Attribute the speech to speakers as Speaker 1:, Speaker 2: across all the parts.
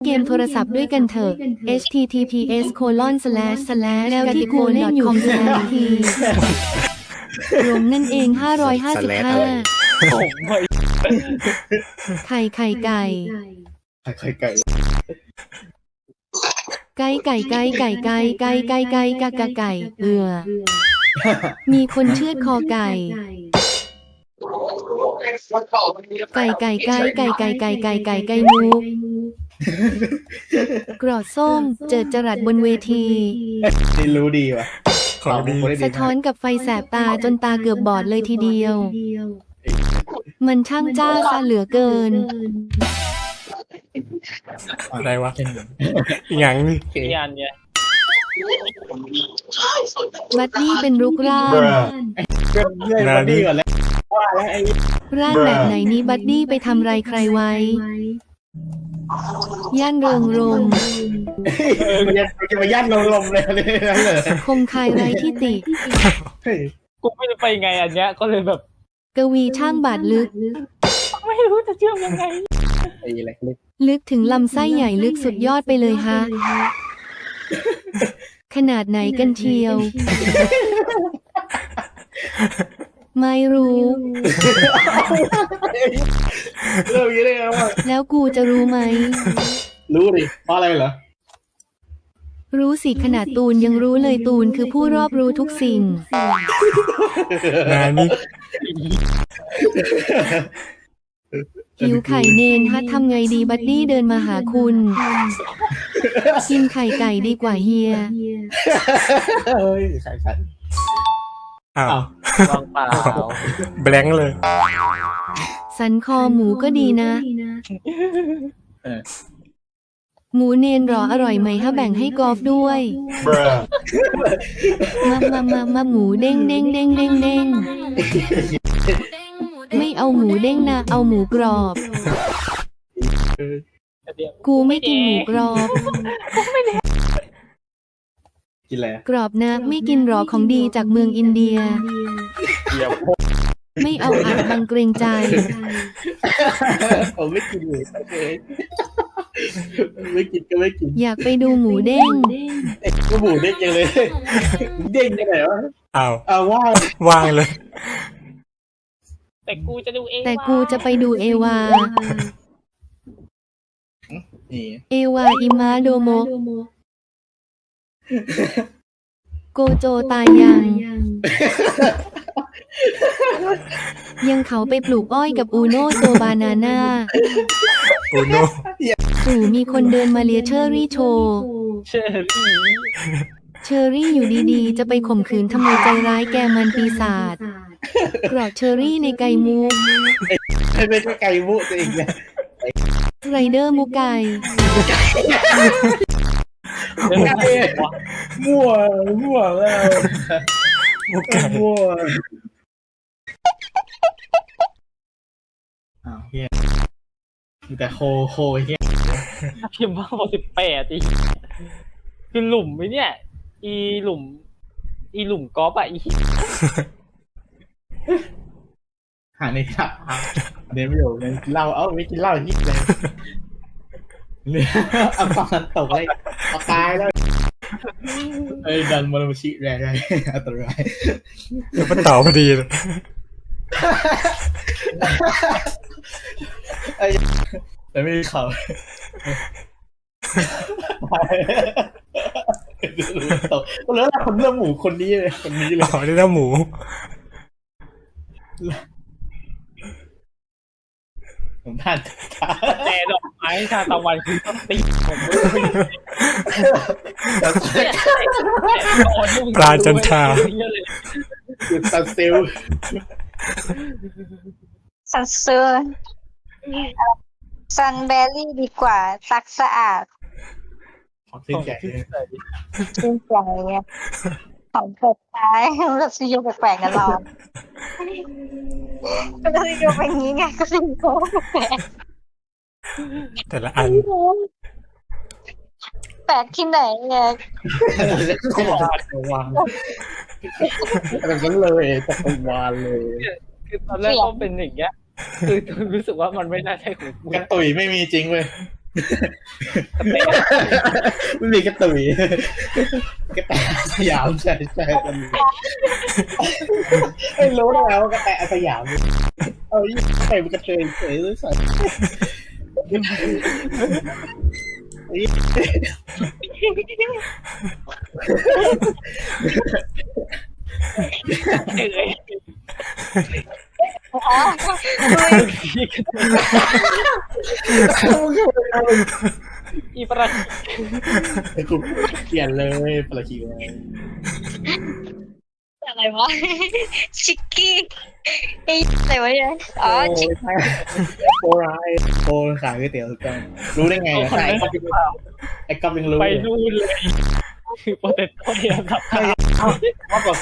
Speaker 1: เกมโทรศัพท์ด้วยกันเถอะ https:// แล้วที่กูเล่นอยู่คือที รวมนั่นเอง555ไข่ไก่ไก่
Speaker 2: ไข่ไก่
Speaker 1: ไก่ไก่ไก่ไก่ไก่ไก่ไก่ไก่กะกะไก่มีคนเชือดคอไก่ไก่ไก่ไก่ไก่ไก่ไก่ไก่ไก่ไก่มูกรอดส้มเจิดจรัสบนเวที
Speaker 2: นี่รู้ดีว่ะ
Speaker 3: ของดี
Speaker 1: สะท้อนกับไฟแสบตาจนตาเกือบบอดเลยทีเดียว มันช่างจ้าซะเหลือเกิน
Speaker 3: อะไรวะอย่างนี้
Speaker 4: งานเนี่ย
Speaker 1: บัดดี้เป็นรุกร่าง
Speaker 2: เรื่อยมาดีก่อนแล้วว่าแล้วไอ้
Speaker 1: ร่างแบบไหนนี้บัดดี้ไปทำไรใครไว้ ย่านเริงรมย์
Speaker 2: มันจะมายัดลมเลยนั่นเลย
Speaker 1: คงคายไรที่ติ
Speaker 4: กูไม่รู้ไปไงอันเนี้ยก็เลยแบบ
Speaker 1: กวีช่างบาดลึก
Speaker 4: ไม่รู้จะเชื่อมยังไง
Speaker 2: ไอ้เล็ก
Speaker 1: ลึกถึงลำไส้ใหญ่ลึกสุดยอดไปเลยฮะ ขนาดไหนกันเชียว ไม่รู้
Speaker 2: เรื่องนี้ได้ไงวะ
Speaker 1: แล้วกูจะรู้ไหม
Speaker 2: รู้ดิเพราะอะไรเหรอ
Speaker 1: รู้สิขนาดตูนยังรู้เลยตูนคือผู้รอบรู้ทุกสิ่ง
Speaker 3: งานนี้
Speaker 1: หิวไข่เนนฮัททำไงดีบัดดี้เดินมาหาคุณกินไข่ไก่ดีกว่าเฮีย
Speaker 2: เฮ้ยใส่
Speaker 3: อ้าว
Speaker 4: วางเปล่า
Speaker 3: แบงค์เลย
Speaker 1: สันคอหมูก็ดีนะ หมูเนนหรออร่อยไหมถ้าแบ่งให้กอล์ฟด้วยมาหมูเด้งเด้งเด้งเด้งเด้งไม่เอาหมูเด้งนะเอาหมูกรอบ กูไม่กินหมูกรอบ
Speaker 2: กินอะไร
Speaker 1: กรอบนะไม่กินหรอของดีจากเมืองอินเดีย
Speaker 4: เดี๋ยว
Speaker 1: ไม่เอาอัดบังเกรงใจ
Speaker 2: ผมไม่กินเลยไม่กินก็ไม่กิน
Speaker 1: อยากไปดูหมูเด้ง
Speaker 2: ก็หมูเด้งยังเลยเด้งยังไงวะ
Speaker 3: อ้าว
Speaker 2: เอาว่า
Speaker 3: ว่างเลย
Speaker 4: แต่กูจะดูเอง
Speaker 1: แต่กูจะไปดูเอวา
Speaker 2: นี่
Speaker 1: เอวาอิมาโดโมะโกโจตายยังเขาไปปลูกอ้อยกับอูโนโซบานาน่า
Speaker 3: โอโน
Speaker 1: ปู่มีคนเดินมาเลียเชอรี่โชว์
Speaker 4: เชื่อพี่
Speaker 1: เชอรี่อยู่ดีๆ จะไปข่มขืนทำไมใจร้ายแกมันปีศาจกรอกเชอรี่ในไก่มู
Speaker 2: ไม่ใช่ไก่มุตัวเองเนี่ย
Speaker 1: ไรเดอร์มูไก่
Speaker 2: มั่วแล้ว
Speaker 3: มุกไก่
Speaker 2: มั่วอ้าวเฮียมีแต่โคเฮีย
Speaker 4: พิมพ์ว่า18อีกคือหลุมไหมเนี่ย อีหลุมกอล์ฟอ่ะอี
Speaker 2: หาในถับเดี๋ยวไม่อยู่เลยเหล้าไม่กินเหล้าฮิตเลยเนี่ยเอาฟังมันตกเลยเอาตายแล้วไอ้ดันมาลงชิแรงอันตราย
Speaker 3: แล้วมันต่อพอดีเลย
Speaker 2: แต่ไม่มีเขาตกแล้วคนเลือกหมูคนนี้เลยคนนี้เลย
Speaker 3: อ๋อนี่น้าหมู
Speaker 2: ผมท่าน
Speaker 4: แต่ดอกไม้ชาตะวันคือต้องตีผม
Speaker 3: ปลาจันทรา
Speaker 2: คือซันเซล
Speaker 5: ซันเซอร์ซันเบอร์รี่ดีกว่าซักสะอาด
Speaker 2: ของสิ้นใจ
Speaker 5: ชื่นใจเนี่ยของเปิดท้ายเราซีโยแปลกๆกันเราก็ซีโยเป็นอย่างนี้ไงก็ซีโยแปลก
Speaker 3: แต่ละอัน
Speaker 5: แปลกที่ไหนเนี่ย
Speaker 2: วางแบบนั้นเลยจักรวาลเลย
Speaker 4: คือตอนแรกก็เป็นอย่างเงี้ยคือรู้สึกว่ามันไม่น่าใช่ของกู
Speaker 2: กระตุยไม่มีจริงเว้ยไม่มีกระตุยกระแตสยามใช่มันไม่รู้แล้วกระแตสยามเอายิ่งใส่มันกระเทยเฉยเลยสัตว์
Speaker 4: เอ้ย
Speaker 5: อ๋อ
Speaker 4: อีประ
Speaker 2: ไอ้กูเปลี่ยนเลยปลาคิว
Speaker 5: อะไรวะชิกกี้ไอ้อะไรวะเนี่ยอ๋อชิก
Speaker 2: โปรายโปรขายก๋วยเตี๋ยวถูกต้องรู้ได้ไงอ่ะไอ้ก๊อฟไอ้ก๊อฟยังรู้
Speaker 4: ไปนู่นเลยคือโปรเตโต้เนี่ยครับ
Speaker 2: ว่าบอก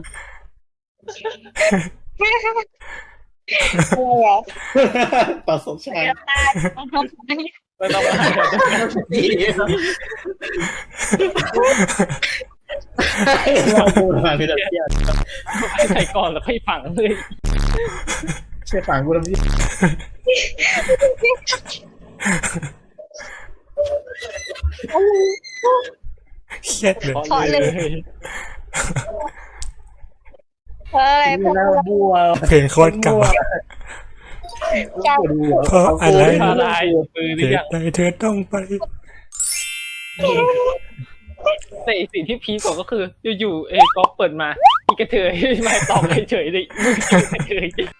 Speaker 5: อะไรอ่ะ
Speaker 2: ต่อสมชาย
Speaker 4: ไม่ต้องมา
Speaker 2: เราพูดมาคือแบบเที่ย
Speaker 4: ให้ใส่ก่อนแล้วค่อยฝังเลย
Speaker 2: เชื่อฝังกูทำที่
Speaker 3: เครียดเลย
Speaker 5: ขอเลยเฮ้ยพวก
Speaker 2: หน้าบัว
Speaker 3: เพลงโคตรเก่า
Speaker 5: เจ้า
Speaker 3: เพราะอะไร
Speaker 4: พาลายมือห
Speaker 3: เห
Speaker 4: รือยั
Speaker 3: ตุ
Speaker 4: ง
Speaker 3: ใดเธอต้องไป
Speaker 4: แต่อีกสิ่งที่พีคกว่าก็คืออยู่ๆก๊อฟเปิดมาอีกระเทยมาตอบเฉยๆเลยมึงกระเทย